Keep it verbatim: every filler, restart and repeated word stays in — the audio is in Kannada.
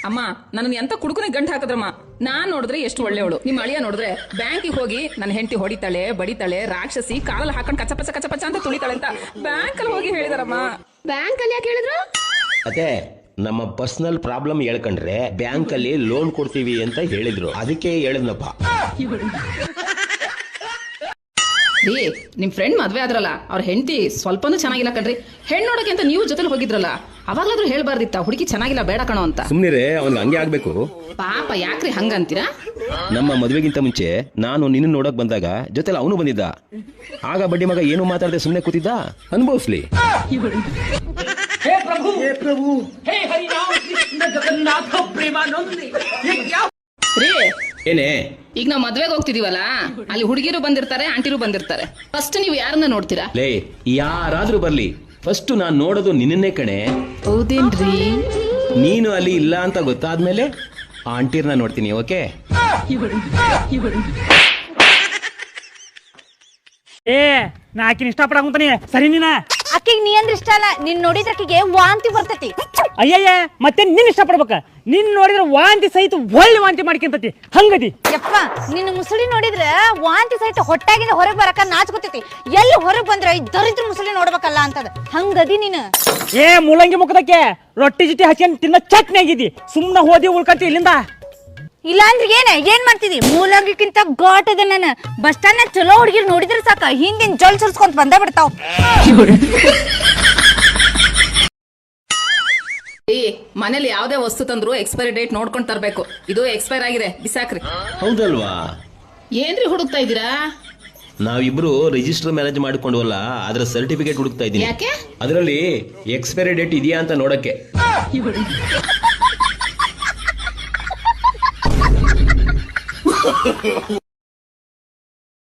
ಅಮ್ಮ ನನ್ನ ಎಂತ ಕುಡುಕನೆ ಗಂಟು ಹಾಕದ್ರಮ್ಮ. ನಾನ್ ನೋಡಿದ್ರೆ ಎಷ್ಟು ಒಳ್ಳೆಯವಳು, ನಿಮ್ ಅಳಿಯ ನೋಡಿದ್ರೆ ಬ್ಯಾಂಕಿಗೆ ಹೋಗಿ ನನ್ನ ಹೆಂಡತಿ ಹೊಡಿತಾಳೆ ಬಡಿತಾಳೆ ರಾಕ್ಷಸಿ ಕಾಲಲ್ಲಿ ಹಾಕೊಂಡು ಕಚಪಚ ಕಚಪಚ ಅಂತ ತುಳಿತಾಳೆ ಅಂತ ಬ್ಯಾಂಕ್ ಅಲ್ಲಿ ಹೋಗಿ ಹೇಳಿದಾರಮ್ಮ. ಬ್ಯಾಂಕ್ ಅಲ್ಲಿ ಯಾಕೆ ಹೇಳಿದ್ರು? ಅದೇ ನಮ್ಮ ಪರ್ಸನಲ್ ಪ್ರಾಬ್ಲಮ್ ಹೇಳ್ಕೊಂಡ್ರೆ ಬ್ಯಾಂಕ್ ಅಲ್ಲಿ ಲೋನ್ ಕೊಡ್ತೀವಿ ಅಂತ ಹೇಳಿದ್ರು, ಅದಕ್ಕೆ ಹೇಳಿದ್ನಪ್ಪ. ರೀ ನಿಮ್ ಫ್ರೆಂಡ್ ಮದ್ವೆ ಆದ್ರಲ್ಲ, ಅವ್ರ ಹೆಂಡತಿ ಸ್ವಲ್ಪನೂ ಚೆನ್ನಾಗಿಲ್ಲ ಕಣ್ರಿ. ಹೆಣ್ಣು ನೋಡಕ್ಕೆ ಅಂತ ನೀವು ಜೊತೆಲಿ ಹೋಗಿದ್ರಲ್ಲ, ಅವಾಗ್ಲಾದ್ರೂ ಹೇಳ್ಬಾರ್ದಿತ್ತ ಹುಡುಗಿ ಚೆನ್ನಾಗಿಲ್ಲ ಬೇಡ ಕಣೋ ಅಂತ. ಸುಮ್ನಿರೇ, ಅವ್ನಿಗೆ ಹಂಗೆ ಆಗ್ಬೇಕು. ಪಾಪ ಯಾಕ್ರಿ ಹಂಗಂತೀರಾ? ನಮ್ಮ ಮದುವೆಗಿಂತ ಮುಂಚೆ ನಾನು ನಿನ್ನ ನೋಡಕ್ ಬಂದಾಗ ಜೊತೆಲಿ ಅವನು ಬಂದಿದ್ದ. ಆಗ ಬಡ್ಡಿ ಮಗ ಏನು ಮಾತಾಡದೆ ಸುಮ್ಮನೆ ಕೂತಿದ್ದ. ಅನುಭವಿಸ್ಲಿ. हे प्रभु हे प्रभु हे हरि राम कृष्ण जगन्नाथ प्रेमानंद ये क्या ರೀ ಏನೇ ಈಗ ನಾವ್ ಮದ್ವೆಗೆ ಹೋಗ್ತಿದೀವಲ್ಲ, ಅಲ್ಲಿ ಹುಡುಗಿರು ಬಂದಿರ್ತಾರೆ ಆಂಟಿರು ಬಂದಿರ್ತಾರೆ. ಫಸ್ಟ್ ನೀವು ಯಾರನ್ನ ನೋಡ್ತೀರಾ? ಲೇ ಯಾರಾದ್ರೂ ಬರ್ಲಿ, ಫಸ್ಟ್ ನಾನ್ ನೋಡೋದು ನಿನ್ನೇ ಕಣೆ. ಹೌದೇನ್ರಿ? ನೀನು ಅಲ್ಲಿ ಇಲ್ಲ ಅಂತ ಗೊತ್ತಾದ್ಮೇಲೆ ಆಂಟಿರ್ನ ನೋಡ್ತೀನಿ. ಓಕೆ? ಏ ನಾ ಆಕಿನ ಇಷ್ಟಪಡಕುಂತಾನೆ ಸರಿ ನೀನ. ಅಕ್ಕಿಗೆ ನೀ ಅಂದ್ರೆ ಇಷ್ಟ ಅಲ್ಲ, ನಿನ್ ನೋಡಿದ್ರ ಅಕ್ಕಿಗೆ ವಾಂತಿ ಬರ್ತೈತಿ. ಅಯ್ಯಯ್ಯ ಮತ್ತೆ ನಿನ್ ಇಷ್ಟಪಡ್ಬೇಕ, ನಿನ್ ನೋಡಿದ್ರ ವಾಂತಿ ಸಹಿತ ಒಳ್ಳೆ ವಾಂತಿ ಮಾಡ್ಕೊಂತತಿ ಹಂಗದಿ. ಯಪ್ಪ ನಿನ್ನ ಮುಸುಳಿ ನೋಡಿದ್ರ ವಾಂತಿ ಸಹಿತ ಹೊಟ್ಟಾಗಿಂದ ಹೊರಗೆ ಬರಕ ನಾಚ್ಕೊತೈತಿ. ಎಲ್ಲಿ ಹೊರಗೆ ಬಂದ್ರ ಈ ದರಿದ್ರ ಮುಸುಳಿ ನೋಡ್ಬೇಕಲ್ಲ ಅಂತದ ಹಂಗದಿ ನೀನು. ಏ ಮೂಲಂಗಿ ಮುಖದಕ್ಕೆ ರೊಟ್ಟಿ ಜಿಟ್ಟಿ ಹಚ್ಕೊಂಡ್ ತಿನ್ನ ಚಟ್ನಿ ಆಗಿದಿ, ಸುಮ್ನ ಹೋದಿ ಉಳ್ಕಂತಿ ಇಲ್ಲಿಂದ. ಇಲ್ಲ ಅಂದ್ರೆ ಏನ ಏನ್ ಮಾಡ್ತಿದಿ? ಮೂಲಂಗಿಕ್ಕಿಂತ ಘಾಟ್ ಅದ. ನಾನು ಬಸ್ ಸ್ಟಾಂಡ್ ನ ಚಲೋ ಹುಡುಗಿರ್ ನೋಡಿದ್ರ ಸಾಕ ಹಿಂದಿನ ಜೊಲ್ ಸುರ್ಸ್ಕೊಂತ ಬಂದ ಬಿಡ್ತಾವ್. ಈ ಮನೇಲಿ ಯಾವ್ದೇ ವಸ್ತು ತಂದ್ರು ಎಕ್ಸ್ಪೈರಿ ಡೇಟ್ ನೋಡ್ಕೊಂಡ್ ತರ್ಬೇಕು. ಇದು ಎಕ್ಸ್ಪೈರ್ ಆಗಿದೆ, ಬಿಸಾಕ್ರಿ. ಹೌದಲ್ವಾ? ಏನ್ರಿ ಹುಡುಕ್ತಾ ಇದೀರಾ? ನಾವಿಬ್ರು ರಿಜಿಸ್ಟರ್ ಮ್ಯಾರೇಜ್ ಮಾಡ್ಕೊಂಡ್ವಲ್ಲ, ಅದ್ರ ಸರ್ಟಿಫಿಕೇಟ್ ಹುಡುಕ್ತಾ ಇದೀನಿ. ಯಾಕೆ? ಅದರಲ್ಲಿ ಎಕ್ಸ್ಪೈರಿ ಡೇಟ್ ಇದೆಯಾ ಅಂತ ನೋಡಕ್ಕೆ.